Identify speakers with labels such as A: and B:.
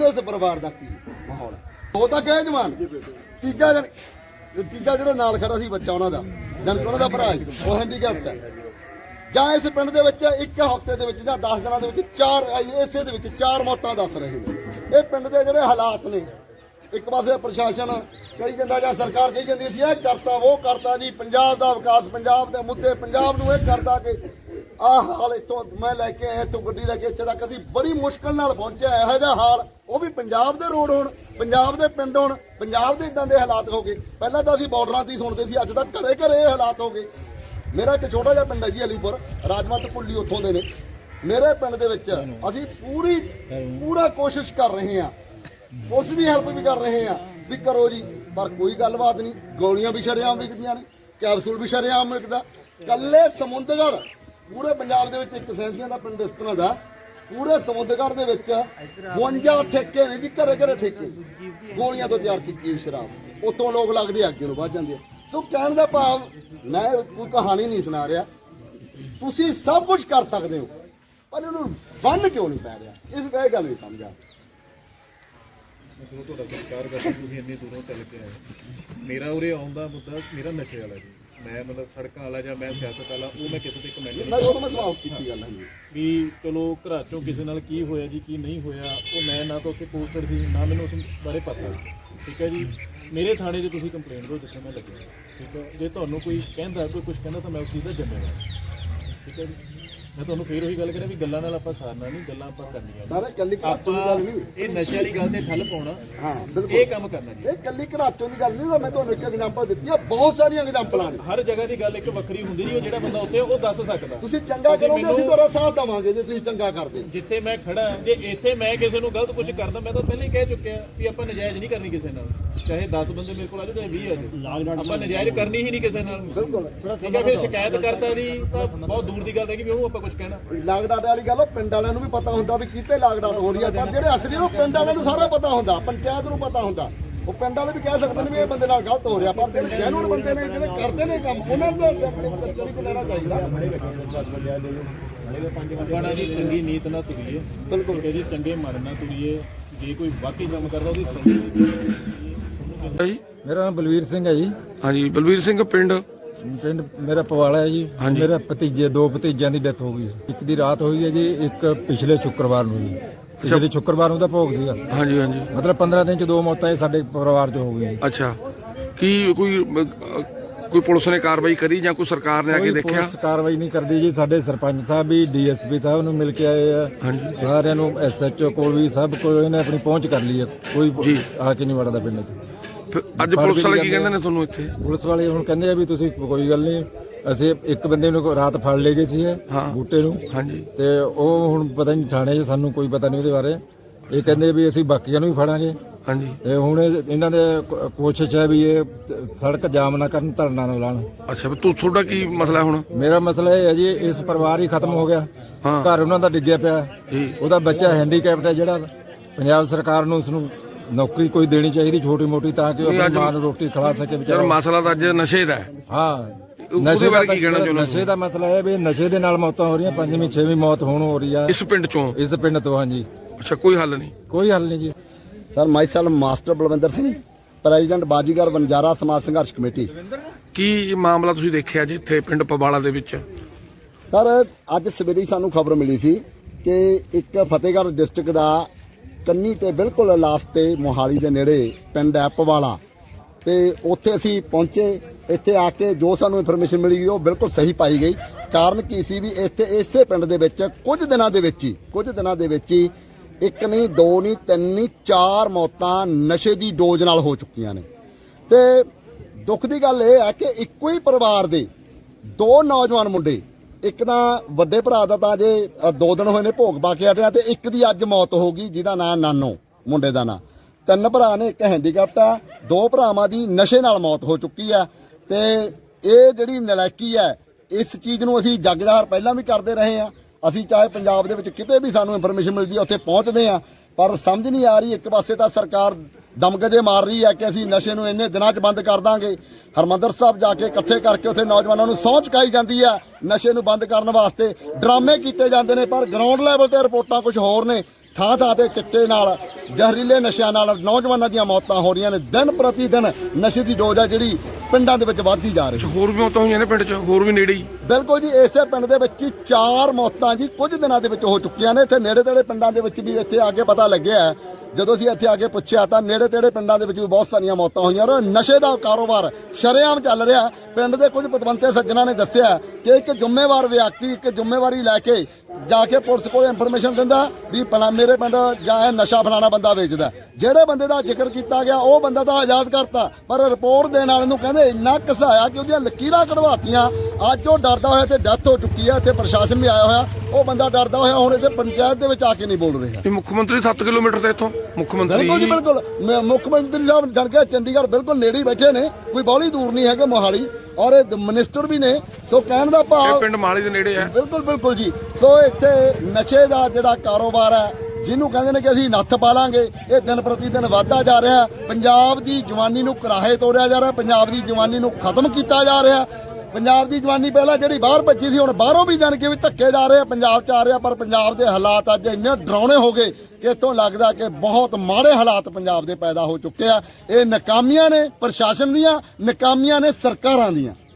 A: ਦੱਸੋ ਇਸ ਪਰਿਵਾਰ ਦਾ ਕੀ ਮਾਹੌਲ ਉਹ ਤਾਂ ਗਏ ਜਵਾਨ ਤੀਜਾ ਜਿਹੜਾ ਨਾਲ ਖੜਾ ਸੀ ਬੱਚਾ ਉਹਨਾਂ ਦਾ ਜਨਕ ਉਹਨਾਂ ਦਾ ਭਰਾ ਸੀ ਉਹ ਹੈਂਡੀਕੈਪਟ ਹੈ ਜਾਂ ਇਸ ਪਿੰਡ ਦੇ ਵਿੱਚ ਇੱਕ ਹਫ਼ਤੇ ਦੇ ਵਿੱਚ ਜਾਂ 10 ਦਿਨਾਂ ਦੇ ਵਿੱਚ ਇਸੇ ਦੇ ਵਿੱਚ 4 ਮੌਤਾਂ ਦੱਸ ਰਹੇ ਨੇ। ਇਹ ਪਿੰਡ ਦੇ ਜਿਹੜੇ ਹਾਲਾਤ ਨੇ, ਇੱਕ ਪਾਸੇ ਪ੍ਰਸ਼ਾਸਨ ਕਹੀ ਜਾਂਦਾ ਜਾਂ ਸਰਕਾਰ ਕਹੀ ਜਾਂਦੀ ਸੀ ਇਹ ਕਰਤਾ ਉਹ ਕਰਤਾ ਜੀ, ਪੰਜਾਬ ਦਾ ਵਿਕਾਸ, ਪੰਜਾਬ ਦੇ ਮੁੱਦੇ, ਪੰਜਾਬ ਨੂੰ ਇਹ ਕਰਦਾ ਕਿ ਆਹ ਹਾਲ ਇੱਥੋਂ ਮੈਂ ਲੈ ਕੇ ਆਇਆ, ਇੱਥੋਂ ਗੱਡੀ ਲੈ ਕੇ ਇੱਥੇ ਤੱਕ ਅਸੀਂ ਬੜੀ ਮੁਸ਼ਕਲ ਨਾਲ ਪਹੁੰਚਿਆ। ਇਹੋ ਜਿਹਾ ਹਾਲ ਉਹ ਵੀ ਪੰਜਾਬ ਦੇ ਰੋਡ ਹੋਣ, ਪੰਜਾਬ ਦੇ ਪਿੰਡ ਹੋਣ, ਪੰਜਾਬ ਦੇ ਇਦਾਂ ਦੇ ਹਾਲਾਤ ਹੋ ਗਏ। ਪਹਿਲਾਂ ਤਾਂ ਅਸੀਂ ਬਾਰਡਰਾਂ ਤੇ ਹੀ ਸੁਣਦੇ ਸੀ, ਅੱਜ ਤੱਕ ਘਰੇ ਘਰੇ ਇਹ ਹਾਲਾਤ ਹੋ ਗਏ। ਮੇਰਾ ਇੱਕ ਛੋਟਾ ਜਿਹਾ ਪਿੰਡ ਹੈ ਜੀ ਅਲੀਪੁਰ, ਰਾਜਮਤ ਭੁੱਲੀ ਉੱਥੋਂ ਦੇ ਨੇ। ਮੇਰੇ ਪਿੰਡ ਦੇ ਵਿੱਚ ਅਸੀਂ ਪੂਰਾ ਕੋਸ਼ਿਸ਼ ਕਰ ਰਹੇ ਹਾਂ, ਉਸ ਦੀ ਹੈਲਪ ਵੀ ਕਰ ਰਹੇ ਹਾਂ ਵੀ ਕਰੋ ਜੀ, ਪਰ ਕੋਈ ਗੱਲਬਾਤ ਨਹੀਂ। ਗੋਲੀਆਂ ਵੀ ਸ਼ਰੇਆਮ ਵਿਕਦੀਆਂ ਨੇ, ਕੈਪਸੂਲ ਵੀ ਸ਼ਰੇਆਮ ਵਿਕਦਾ। ਕੱਲੇ ਸਮੁੰਦਰਗੜ੍ਹ ਪੂਰੇ ਪੰਜਾਬ ਦੇ ਵਿੱਚ ਇੱਕ ਸੈਂਸੀਆਂ ਦਾ ਪਿੰਡ ਇਸ ਤਰ੍ਹਾਂ ਦਾ, ਪੂਰੇ ਸਮੁੰਦਰਗੜ੍ਹ ਦੇ ਵਿੱਚ 52 ਠੇਕੇ ਨੇ ਜੀ, ਘਰੇ ਘਰੇ ਠੇਕੇ, ਗੋਲੀਆਂ ਤੋਂ ਤਿਆਰ ਕੀਤੀ ਸ਼ਰਾਬ। ਉੱਥੋਂ ਲੋਕ ਲੱਗਦੇ ਅੱਗੇ ਨੂੰ ਵੱਧ ਜਾਂਦੇ ਆ। ਸੋ ਕਹਿਣ ਦਾ ਭਾਵ, ਮੈਂ ਕੋਈ ਕਹਾਣੀ ਨਹੀਂ ਸੁਣਾ ਰਿਹਾ, ਤੁਸੀਂ ਸਭ ਕੁਝ ਕਰ ਸਕਦੇ ਹੋ, ਪਰ ਇਹਨੂੰ ਬੰਨ ਕਿਉਂ ਨਹੀਂ ਪੈ ਰਿਹਾ, ਇਸ ਗੱਲ ਨਹੀਂ ਸਮਝਾ।
B: ਮੈਂ ਤੁਹਾਡਾ ਸਤਿਕਾਰ ਕਰਦਾ, ਤੁਸੀਂ ਇੰਨੀ ਦੂਰੋਂ ਚੱਲ ਕੇ ਆਏ। ਮੇਰਾ ਉਰੇ ਆਉਣ ਦਾ ਮੁੱਦਾ ਮੇਰਾ ਨਸ਼ੇ ਵਾਲਾ ਜੀ। ਮੈਂ ਮਤਲਬ ਸੜਕਾਂ ਵਾਲਾ ਜਾਂ ਮੈਂ ਸਿਆਸਤ ਵਾਲਾ, ਉਹ ਮੈਂ ਕਿਸੇ ਤੇ ਕਮੈਂਟ ਨਹੀਂ
A: ਸਵਾਲ ਕੀਤੀ ਗੱਲ ਹੈ
B: ਵੀ ਚਲੋ ਘਰਾਂ ਚੋਂ ਕਿਸੇ ਨਾਲ ਕੀ ਹੋਇਆ ਜੀ ਕੀ ਨਹੀਂ ਹੋਇਆ, ਉਹ ਮੈਂ ਨਾ ਤਾਂ ਉੱਥੇ ਪੋਸਟਡ ਸੀ, ਨਾ ਮੈਨੂੰ ਉਸ ਬਾਰੇ ਪਤਾ। ਠੀਕ ਹੈ ਜੀ, ਮੇਰੇ ਥਾਣੇ 'ਚ ਤੁਸੀਂ ਕੰਪਲੇਂਟ ਦਿਓ ਜਿੱਥੇ ਮੈਂ ਲੱਗਿਆ। ਠੀਕ ਹੈ, ਜੇ ਤੁਹਾਨੂੰ ਕੋਈ ਕਹਿੰਦਾ, ਕੋਈ ਕੁਝ ਕਹਿੰਦਾ ਤਾਂ ਮੈਂ ਉਸ ਚੀਜ਼ ਦਾ ਜ਼ਿੰਮੇਵਾਰ। ਠੀਕ ਹੈ ਜੀ, ਮੈਂ ਤੁਹਾਨੂੰ ਫੇਰ ਉਹੀ ਗੱਲ ਕਰਾਂ ਵੀ ਗੱਲਾਂ ਨਾਲ ਆਪਾਂ ਸਾਰਨਾ ਨਹੀਂ, ਗੱਲਾਂ ਆਪਾਂ ਕਰਨੀਆਂ
A: ਸਾਰੇ ਕੱਲੀ ਘਰਾਚੋਂ ਦੀ ਗੱਲ ਨਹੀਂ।
B: ਇਹ ਨਸ਼ੇ ਵਾਲੀ ਗੱਲ ਤੇ ਠੱਲ ਪਾਉਣਾ,
A: ਹਾਂ ਬਿਲਕੁਲ
B: ਇਹ ਕੰਮ ਕਰਨਾ ਜੀ।
A: ਇਹ ਕੱਲੀ ਘਰਾਚੋਂ ਦੀ ਗੱਲ ਨਹੀਂ, ਮੈਂ ਤੁਹਾਨੂੰ ਇੱਕ ਐਗਜ਼ਾਮਪਲ ਦਿੱਤੀ ਆ, ਬਹੁਤ ਸਾਰੀਆਂ ਐਗਜ਼ਾਮਪਲਾਂ ਨੇ।
B: ਹਰ ਜਗ੍ਹਾ ਦੀ ਗੱਲ ਇੱਕ ਵੱਖਰੀ ਹੁੰਦੀ ਜੀ, ਉਹ ਜਿਹੜਾ ਬੰਦਾ ਉੱਥੇ ਉਹ ਦੱਸ ਸਕਦਾ।
A: ਤੁਸੀਂ ਚੰਗਾ ਕਰੋਗੇ, ਅਸੀਂ ਤੁਹਾਡਾ ਸਾਥ ਦੇਵਾਂਗੇ ਜੇ ਤੁਸੀਂ ਚੰਗਾ ਕਰਦੇ।
B: ਜਿੱਥੇ ਮੈਂ ਖੜਾ, ਜੇ ਇੱਥੇ ਮੈਂ ਕਿਸੇ ਨੂੰ ਗਲਤ ਕੁਝ ਕਰਦਾ, ਮੈਂ ਤਾਂ ਪਹਿਲਾਂ ਹੀ ਕਹਿ ਚੁੱਕਿਆ ਵੀ ਆਪਾਂ ਨਜਾਇਜ਼ ਨਹੀਂ ਕਰਨੀ ਕਿਸੇ ਨਾਲ, ਚਾਹੇ 10 ਬੰਦੇ ਮੇਰੇ ਕੋਲ ਆ ਜਾਓ, ਚਾਹੇ 20 ਆ ਜਾਓ, ਆਪਾਂ ਨਜਾਇਜ਼ ਕਰਨੀ ਹੀ ਨਹੀਂ ਕਿਸੇ ਨਾਲ।
A: ਬਿਲਕੁਲ
B: ਠੀਕ ਹੈ, ਫਿਰ ਸ਼ਿਕਾਇਤ ਕਰਤਾ ਦੀ ਤਾਂ ਬਹੁਤ ਦੂਰ ਦੀ ਗੱਲ ਹੈ ਕਿ ਵੀ ਉਹਨੂੰ ਆਪਾਂ ਕੁਝ ਕਹਿਣਾ।
A: ਲਾਗਡਾਟ ਵਾਲੀ ਗੱਲ, ਉਹ ਪਿੰਡ ਵਾਲਿਆਂ ਨੂੰ ਵੀ ਪਤਾ ਹੁੰਦਾ ਵੀ ਕਿਤੇ ਲਾਗਡਾਟ ਹੋ ਰਹੀ ਹੈ, ਪਰ ਜਿਹੜੇ ਅਸਲੀ ਉਹ ਪਿੰਡ ਵਾਲਿਆਂ ਨੂੰ ਸਾਰਾ ਪਤਾ ਹੁੰਦਾ, ਪੰਚਾਇਤ ਨੂੰ ਪਤਾ ਹੁੰਦਾ। ਉਹ ਪਿੰਡ ਵਾਲੇ ਵੀ ਕਹਿ ਸਕਦੇ ਨੇ ਵੀ ਇਹ ਬੰਦੇ ਨਾਲ ਗਲਤ ਹੋ ਰਿਹਾ, ਪਰ ਜਿਹੜੇ ਜੈਨੂਨ ਬੰਦੇ ਨੇ, ਜਿਹੜੇ ਕਰਦੇ ਨੇ ਕੰਮ, ਉਹਨਾਂ ਨੂੰ ਕਸਟਡੀ ਕੋ ਲੈਣਾ ਚਾਹੀਦਾ।
B: ਆਪਾਂ ਜੀ ਚੰਗੀ ਨੀਤ ਨਾਲ ਤੁਰੀਏ,
A: ਬਿਲਕੁਲ
B: ਜੀ ਚੰਗੇ ਮਨ ਨਾਲ ਤੁਰੀਏ। ਜੇ ਕੋਈ ਵਾਕਈ ਕੰਮ ਕਰਦਾ ਉਹਦੀ ਸਹੀ।
C: ਮੇਰਾ ਨਾਮ ਬਲਵੀਰ ਸਿੰਘ ਹੈ ਜੀ।
D: ਹਾਂਜੀ ਬਲਵੀਰ ਸਿੰਘ, ਪਿੰਡ
C: ਮੇਰਾ ਪਵਾਲਾ ਹੈ ਜੀ। ਮੇਰਾ ਭਤੀਜੇ, 2 ਭਤੀਜਿਆਂ ਦੀ ਡੈਥ ਹੋ ਗਈ। ਇੱਕ ਦੀ ਰਾਤ ਹੋਈ ਹੈ ਜੀ, ਇੱਕ ਪਿਛਲੇ ਸ਼ੁੱਕਰਵਾਰ ਨੂੰ ਜੀ। ਪਿਛਲੇ ਸ਼ੁੱਕਰਵਾਰ ਨੂੰ ਦਾ ਭੋਗ ਸੀਗਾ।
D: ਹਾਂਜੀ ਹਾਂਜੀ,
C: ਮਤਲਬ 15 ਦਿਨ ਚ 2 ਮੌਤਾਂ ਇਹ ਸਾਡੇ ਪਰਿਵਾਰ ਚ ਹੋ ਗਈਆਂ।
D: ਅੱਛਾ, ਕੀ ਕੋਈ ਪੁਲਿਸ ਨੇ ਕਾਰਵਾਈ ਕਰੀ ਜਾਂ ਕੋਈ ਸਰਕਾਰ ਨੇ ਆ ਕੇ ਦੇਖਿਆ?
C: ਪੁਲਿਸ ਕਾਰਵਾਈ ਨਹੀਂ ਕਰਦੀ ਜੀ। ਸਾਡੇ ਸਰਪੰਚ ਸਾਹਿਬ ਵੀ ਡੀਐਸਪੀ ਸਾਹਿਬ ਨੂੰ ਮਿਲ ਕੇ ਆਏ ਆ, ਸਾਰਿਆਂ ਨੂੰ, ਐਸਐਚਓ ਕੋਲ ਵੀ, ਸਭ ਕੋਲ ਇਹਨੇ ਆਪਣੀ ਪਹੁੰਚ ਕਰ ਲਈ ਹੈ, ਕੋਈ ਆ ਕੇ ਨਹੀਂ ਵੜਦਾ ਪਿੰਡ ਚ।
D: ਅੱਜ ਪੁਲਿਸ ਵਾਲੇ ਕੀ ਕਹਿੰਦੇ ਨੇ ਤੁਹਾਨੂੰ ਇੱਥੇ?
C: ਪੁਲਿਸ ਵਾਲੇ ਹੁਣ ਕਹਿੰਦੇ ਆ ਵੀ ਤੁਸੀਂ ਕੋਈ ਗੱਲ ਨਹੀਂ, ਅਸੀਂ ਇੱਕ ਬੰਦੇ ਨੂੰ ਰਾਤ ਫੜ ਲਏ ਗਏ ਸੀ ਬੂਟੇ ਨੂੰ।
D: ਹਾਂਜੀ,
C: ਤੇ ਉਹ ਹੁਣ ਪਤਾ ਨਹੀਂ ਥਾਣੇ 'ਚ, ਸਾਨੂੰ ਕੋਈ ਪਤਾ ਨਹੀਂ ਉਹਦੇ ਬਾਰੇ। ਇਹ ਕਹਿੰਦੇ ਵੀ ਅਸੀਂ ਬਾਕੀਆਂ ਨੂੰ ਵੀ ਫੜਾਂਗੇ।
D: ਹਾਂਜੀ,
C: ਤੇ ਹੁਣ ਇਹਨਾਂ ਦੇ ਕੋਸ਼ਿਸ਼ ਹੈ ਵੀ ਇਹ ਸੜਕ ਜਾਮ ਨਾ ਕਰਨ, ਧਰਨਾ ਨਾ ਲਾਉਣ।
D: ਅੱਛਾ, ਤੁਹਾਡਾ ਕੀ ਮਸਲਾ ਹੁਣ?
C: ਮੇਰਾ ਮਸਲਾ ਇਹ ਹੈ ਜੀ, ਇਸ ਪਰਿਵਾਰ ਹੀ ਖਤਮ ਹੋ ਗਿਆ। ਘਰ ਉਹਨਾਂ ਦਾ ਡਿੱਗਿਆ ਪਿਆ, ਉਹਦਾ ਬੱਚਾ ਹੈਂਡੀਕੈਪਟ ਹੈ, ਜਿਹੜਾ ਪੰਜਾਬ ਸਰਕਾਰ ਨੂੰ ਉਸਨੂੰ ਨੌਕਰੀ ਕੋਈ ਦੇਣੀ ਚਾਹੀਦੀ ਛੋਟੀ ਮੋਟੀ, ਤਾਂ ਕਿ ਉਹ ਆਪਣੀ ਮਾਂ ਨੂੰ ਰੋਟੀ ਖਿਲਾ ਸਕੇ ਵਿਚਾਰਾ।
D: ਮਸਲਾ ਤਾਂ ਅੱਜ ਨਸ਼ੇ ਦਾ ਹੈ।
C: ਹਾਂ,
D: ਨਸ਼ੇ ਬਾਰੇ ਕੀ ਕਹਿਣਾ ਚਾਹੁੰਦੇ?
C: ਨਸ਼ੇ ਦਾ ਮਸਲਾ ਹੈ ਵੀ ਨਸ਼ੇ ਦੇ ਨਾਲ ਮੌਤਾਂ ਹੋ ਰਹੀਆਂ, 5ਵੀਂ 6ਵੀਂ ਮੌਤ ਹੁਣ ਹੋ ਰਹੀ ਹੈ
D: ਇਸ ਪਿੰਡ ਚੋਂ।
C: ਇਸ ਪਿੰਡ ਤੋਂ, ਹਾਂਜੀ।
D: ਅੱਛਾ, ਕੋਈ ਹੱਲ ਨਹੀਂ?
C: ਕੋਈ ਹੱਲ ਨਹੀਂ ਜੀ।
A: Sir, myself master Balwinder Singh, president Bazigar Banjara Samaj Sangharsh committee.
D: ਕੀ ਮਾਮਲਾ ਤੁਸੀਂ ਦੇਖਿਆ ਜੀ ਇੱਥੇ ਪਿੰਡ ਪਵਾਲਾ ਦੇ ਵਿੱਚ?
A: ਸਰ, ਅੱਜ ਸਵੇਰੇ ਸਾਨੂੰ ਖਬਰ ਮਿਲੀ ਸੀ ਕਿ ਇੱਕ ਫਤਿਹਗੜ੍ਹ ਡਿਸਟ੍ਰਿਕਟ ਦਾ ਕੰਨੀ ਤੇ ਬਿਲਕੁਲ ਲਾਸਟ ਤੇ ਮੋਹਾਲੀ ਦੇ ਨੇੜੇ ਪਿੰਡ ਹੈ ਪਵਾਲਾ, ਤੇ ਉੱਥੇ ਅਸੀਂ ਪਹੁੰਚੇ। ਇੱਥੇ ਆ ਕੇ ਜੋ ਸਾਨੂੰ ਇਨਫੋਰਮੇਸ਼ਨ ਮਿਲੀ ਉਹ ਬਿਲਕੁਲ ਸਹੀ ਪਾਈ ਗਈ। ਕਾਰਨ ਕੀ ਸੀ ਵੀ ਇੱਥੇ ਇਸੇ ਪਿੰਡ ਦੇ ਵਿੱਚ ਕੁਝ ਦਿਨਾਂ ਦੇ ਵਿੱਚ ਹੀ ਇੱਕ ਨਹੀਂ, 2 ਨਹੀਂ, 3 ਨਹੀਂ, 4 ਮੌਤਾਂ ਨਸ਼ੇ ਦੀ ਡੋਜ਼ ਨਾਲ ਹੋ ਚੁੱਕੀਆਂ ਨੇ। ਤੇ ਦੁੱਖ ਦੀ ਗੱਲ ਇਹ ਹੈ ਕਿ ਇੱਕੋ ਹੀ ਪਰਿਵਾਰ ਦੇ 2 ਨੌਜਵਾਨ ਮੁੰਡੇ, ਇੱਕ ਤਾਂ ਵੱਡੇ ਭਰਾ ਦਾ ਤਾਂ ਜੇ 2 ਦਿਨ ਹੋਏ ਨੇ ਭੋਗ ਪਾ ਕੇ ਹਟਿਆ, ਤੇ ਇੱਕ ਦੀ ਅੱਜ ਮੌਤ ਹੋ ਗਈ ਜਿਹਦਾ ਨਾਂ ਨਾਨੋ, ਮੁੰਡੇ ਦਾ ਨਾਂ। 3 ਭਰਾ ਨੇ, ਇੱਕ ਹੈਂਡੀਕੈਪਟ ਆ, 2 ਭਰਾਵਾਂ ਦੀ ਨਸ਼ੇ ਨਾਲ ਮੌਤ ਹੋ ਚੁੱਕੀ ਆ। ਤੇ ਇਹ ਜਿਹੜੀ ਨਲਾਇਕੀ ਹੈ, ਇਸ ਚੀਜ਼ ਨੂੰ ਅਸੀਂ ਜੱਗ ਜ਼ਾਹਰ ਪਹਿਲਾਂ ਵੀ ਕਰਦੇ ਰਹੇ ਹਾਂ। ਅਸੀਂ ਚਾਹੇ ਪੰਜਾਬ ਦੇ ਵਿੱਚ ਕਿਤੇ ਵੀ ਸਾਨੂੰ ਇਨਫੋਰਮੇਸ਼ਨ ਮਿਲਦੀ ਹੈ ਉੱਥੇ ਪਹੁੰਚਦੇ ਹਾਂ, ਪਰ ਸਮਝ ਨਹੀਂ ਆ ਰਹੀ। ਇੱਕ ਪਾਸੇ ਤਾਂ ਸਰਕਾਰ ਦਮਗਜੇ ਮਾਰ ਰਹੀ ਹੈ ਕਿ ਅਸੀਂ ਨਸ਼ੇ ਨੂੰ ਇੰਨੇ ਦਿਨਾਂ 'ਚ ਬੰਦ ਕਰ ਦਾਂਗੇ। ਹਰਮੰਦਰ ਸਾਹਿਬ ਜਾ ਕੇ ਇਕੱਠੇ ਕਰਕੇ ਉੱਥੇ ਨੌਜਵਾਨਾਂ ਨੂੰ ਸਹੁੰ ਚੁਕਾਈ ਜਾਂਦੀ ਹੈ ਨਸ਼ੇ ਨੂੰ ਬੰਦ ਕਰਨ ਵਾਸਤੇ, ਡਰਾਮੇ ਕੀਤੇ ਜਾਂਦੇ ਨੇ, ਪਰ ਗਰਾਊਂਡ ਲੈਵਲ ਤੇ ਰਿਪੋਰਟਾਂ ਕੁਝ ਹੋਰ ਨੇ। ਥਾਂ ਥਾਂ ਤੇ ਚਿੱਟੇ ਨਾਲ, ਜ਼ਹਿਰੀਲੇ ਨਸ਼ਿਆਂ ਨਾਲ ਨੌਜਵਾਨਾਂ ਦੀਆਂ ਮੌਤਾਂ ਹੋ ਰਹੀਆਂ ਨੇ। ਦਿਨ ਪ੍ਰਤੀ ਦਿਨ ਨਸ਼ੇ ਦੀ ਡੋਜ਼ ਆ ਜਿਹੜੀ ਪਿੰਡਾਂ ਦੇ ਵਿੱਚ ਵੱਧਦੀ ਜਾ ਰਹੀ ਹੈ।
D: ਹੋਰ ਵੀ ਮੌਤਾਂ ਹੋਈਆਂ ਨੇ ਪਿੰਡ 'ਚ, ਹੋਰ ਵੀ ਨੇੜੇ ਹੀ?
A: ਬਿਲਕੁਲ ਜੀ, ਇਸੇ ਪਿੰਡ ਦੇ ਵਿੱਚ ਹੀ 4 ਮੌਤਾਂ ਜੀ ਕੁਝ ਦਿਨਾਂ ਦੇ ਵਿੱਚ ਹੋ ਚੁੱਕੀਆਂ ਨੇ। ਇੱਥੇ ਨੇੜੇ ਤੇੜੇ ਪਿੰਡਾਂ ਦੇ ਵਿੱਚ ਵੀ ਇੱਥੇ ਆ ਕੇ ਪਤਾ ਲੱਗਿਆ, ਜਦੋਂ ਅਸੀਂ ਇੱਥੇ ਆ ਕੇ ਪੁੱਛਿਆ ਤਾਂ ਨੇੜੇ ਤੇੜੇ ਪਿੰਡਾਂ ਦੇ ਵਿੱਚ ਵੀ ਬਹੁਤ ਸਾਰੀਆਂ ਮੌਤਾਂ ਹੋਈਆਂ। ਔਰ ਨਸ਼ੇ ਦਾ ਕਾਰੋਬਾਰ ਸ਼ਰੇਆਮ ਚੱਲ ਰਿਹਾ। ਪਿੰਡ ਦੇ ਕੁਝ ਪਤਵੰਤੇ ਸੱਜਣਾ ਨੇ ਦੱਸਿਆ ਕਿ ਇੱਕ ਜ਼ਿੰਮੇਵਾਰ ਵਿਅਕਤੀ ਇੱਕ ਜ਼ਿੰਮੇਵਾਰੀ ਲੈ ਕੇ ਜਾ ਕੇ ਪੁਲਿਸ ਕੋਲ ਇਨਫੋਰਮੇਸ਼ਨ ਦਿੰਦਾ ਵੀ ਮੇਰੇ ਪਿੰਡ ਜਾਂ ਇਹ ਨਸ਼ਾ ਫਲਾਣਾ ਬੰਦਾ ਵੇਚਦਾ। ਜਿਹੜੇ ਬੰਦੇ ਦਾ ਜ਼ਿਕਰ ਕੀਤਾ ਗਿਆ ਉਹ ਬੰਦਾ ਤਾਂ ਆਜ਼ਾਦ ਕਰਤਾ, ਪਰ ਰਿਪੋਰਟ ਦੇਣ ਵਾਲੇ ਨੂੰ ਕਹਿੰਦੇ ਇੰਨਾ ਘਸਾਇਆ ਕਿ ਉਹਦੀਆਂ ਲਕੀਰਾਂ ਕਢਵਾਤੀਆਂ। ਅੱਜ ਉਹ ਡਰਦਾ ਹੋਇਆ ਤੇ ਡੈਥ ਹੋ ਚੁੱਕੀ ਹੈ। ਇੱਥੇ ਪ੍ਰਸ਼ਾਸਨ ਵੀ ਆਇਆ ਹੋਇਆ, ਉਹ ਬੰਦਾ ਡਰਦਾ ਹੋਇਆ ਹੁਣ ਇੱਥੇ ਪੰਚਾਇਤ ਦੇ ਵਿੱਚ ਆ ਕੇ ਨਹੀਂ ਬੋਲ ਰਿਹਾ।
D: ਇਹ ਮੁੱਖ ਮੰਤਰੀ 7 ਕਿਲੋਮੀਟਰ ਤੇ ਇੱਥੋਂ ਮੁੱਖ ਮੰਤਰੀ
A: ਬਿਲਕੁਲ ਜੀ ਬਿਲਕੁਲ, ਮੁੱਖ ਮੰਤਰੀ ਸਾਹਿਬ ਜਾਣ ਕੇ ਚੰਡੀਗੜ੍ਹ ਬਿਲਕੁਲ ਨੇੜੇ ਹੀ ਬੈਠੇ ਨੇ, ਕੋਈ ਬਾਹਲੀ ਦੂਰ ਨਹੀਂ ਹੈਗੇ ਮੋਹਾਲੀ, ਔਰ ਇਹ ਮਿਨਿਸਟਰ ਵੀ ਨੇ। ਸੋ ਕਹਿਣ ਦਾ ਭਾਵ
D: ਪਿੰਡ ਮੋਹਾਲੀ ਦੇ ਨੇੜੇ ਹੈ।
A: ਬਿਲਕੁਲ ਬਿਲਕੁਲ ਜੀ। ਸੋ ਇੱਥੇ ਨਸ਼ੇ ਦਾ ਜਿਹੜਾ ਕਾਰੋਬਾਰ ਹੈ, ਜਿਹਨੂੰ ਕਹਿੰਦੇ ਨੇ ਕਿ ਅਸੀਂ ਨੱਥ ਪਾ ਲਾਂਗੇ, ਇਹ ਦਿਨ ਪ੍ਰਤੀ ਦਿਨ ਵੱਧਦਾ ਜਾ ਰਿਹਾ। ਪੰਜਾਬ ਦੀ ਜਵਾਨੀ ਨੂੰ ਕਰਾਹੇ ਤੋੜਿਆ ਜਾ ਰਿਹਾ, ਪੰਜਾਬ ਦੀ ਜਵਾਨੀ ਨੂੰ ਖਤਮ ਕੀਤਾ ਜਾ ਰਿਹਾ। ਪੰਜਾਬ ਦੀ ਜਵਾਨੀ ਪਹਿਲਾਂ ਜਿਹੜੀ ਬਾਹਰ ਭੱਜੀ ਸੀ, ਹੁਣ ਬਾਹਰੋਂ ਵੀ ਜਾਣ ਕੇ ਵੀ ਧੱਕੇ ਜਾ ਰਹੇ ਆ, ਪੰਜਾਬ 'ਚ ਆ ਰਿਹਾ। ਪਰ ਪੰਜਾਬ ਦੇ ਹਾਲਾਤ ਅੱਜ ਇੰਨੇ ਡਰਾਉਣੇ ਹੋ ਗਏ ਕਿ ਇੱਥੋਂ ਲੱਗਦਾ ਕਿ ਬਹੁਤ ਮਾੜੇ ਹਾਲਾਤ ਪੰਜਾਬ ਦੇ ਪੈਦਾ ਹੋ ਚੁੱਕੇ ਆ। ਇਹ ਨਾਕਾਮੀਆਂ ਨੇ ਪ੍ਰਸ਼ਾਸਨ ਦੀਆਂ, ਨਾਕਾਮੀਆਂ ਨੇ ਸਰਕਾਰਾਂ ਦੀਆਂ।